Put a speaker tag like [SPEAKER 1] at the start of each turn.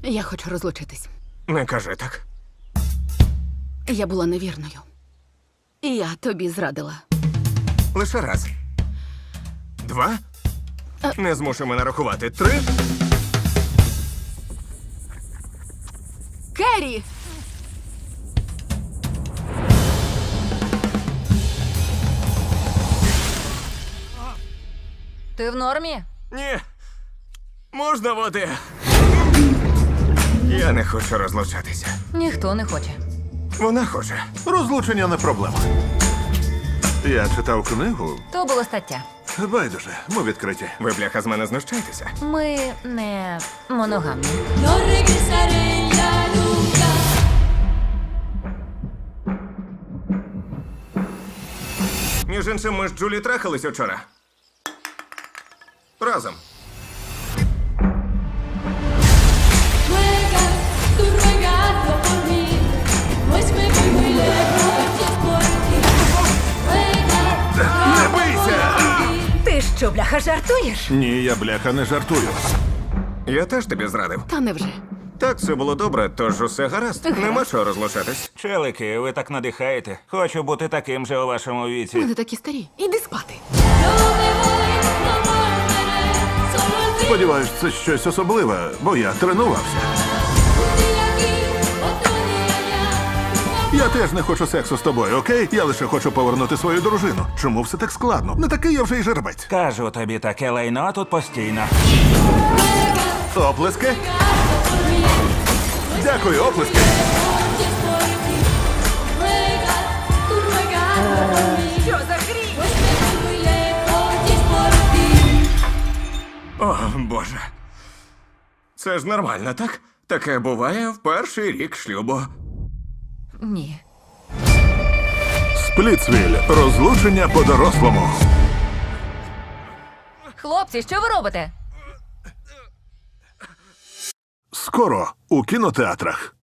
[SPEAKER 1] Я хочу розлучитись.
[SPEAKER 2] Не кажи так.
[SPEAKER 1] Я була невірною. І я тобі зрадила.
[SPEAKER 2] Лише раз. 2. Не змушуй мене рахувати. 3.
[SPEAKER 1] Керрі!
[SPEAKER 3] Ти в нормі?
[SPEAKER 2] Ні. Можна води? Я не хочу розлучатися.
[SPEAKER 3] Ніхто не хоче.
[SPEAKER 2] Вона хоче.
[SPEAKER 4] Розлучення не проблема. Я читав книгу.
[SPEAKER 3] То було стаття.
[SPEAKER 4] Байдуже, ми відкриті.
[SPEAKER 2] Ви, бляха, з мене знущаєтеся?
[SPEAKER 3] Ми не моногамні.
[SPEAKER 5] No regresaré ya nunca.
[SPEAKER 2] Між іншим, ми з Джулі трахались учора. Разом.
[SPEAKER 5] Ruegas, tú ruegando por mí, pues me voy muy lejos y es por ti. Ruegas,
[SPEAKER 4] Не бийся!
[SPEAKER 3] Ти що, бляха, жартуєш?
[SPEAKER 4] Ні, я бляха не жартую.
[SPEAKER 2] Я теж тобі зрадив.
[SPEAKER 1] Та невже?
[SPEAKER 2] Так, все було добре, тож усе гаразд. Нема чого розлучатись.
[SPEAKER 6] Челики, ви так надихаєте. Хочу бути таким же у вашому віці.
[SPEAKER 1] Ми не такі старі. Іди спати.
[SPEAKER 5] no me voy, no volveré, solo el fin.
[SPEAKER 4] Сподіваюсь, це щось особливе, бо я тренувався.
[SPEAKER 5] Un día aquí, otro día allá.
[SPEAKER 4] Я теж не хочу сексу з тобою, окей? Я лише хочу повернути свою дружину. Чому все так складно? Не такий я вже й жеребець.
[SPEAKER 6] Кажу тобі, таке лайно тут постійно.
[SPEAKER 4] Оплески? Дякую, оплески.
[SPEAKER 5] Y es por ti. Ruegas, tú ruegando por mí,
[SPEAKER 3] Що за гріх?
[SPEAKER 5] pues me voy muy lejos y es por ti.
[SPEAKER 2] О, Боже. Це ж нормально, так? Таке буває в перший рік шлюбу.
[SPEAKER 3] Ні.
[SPEAKER 4] Сплітсвіль. Розлучення по-дорослому.
[SPEAKER 3] Хлопці, що ви робите?
[SPEAKER 4] Скоро у кінотеатрах.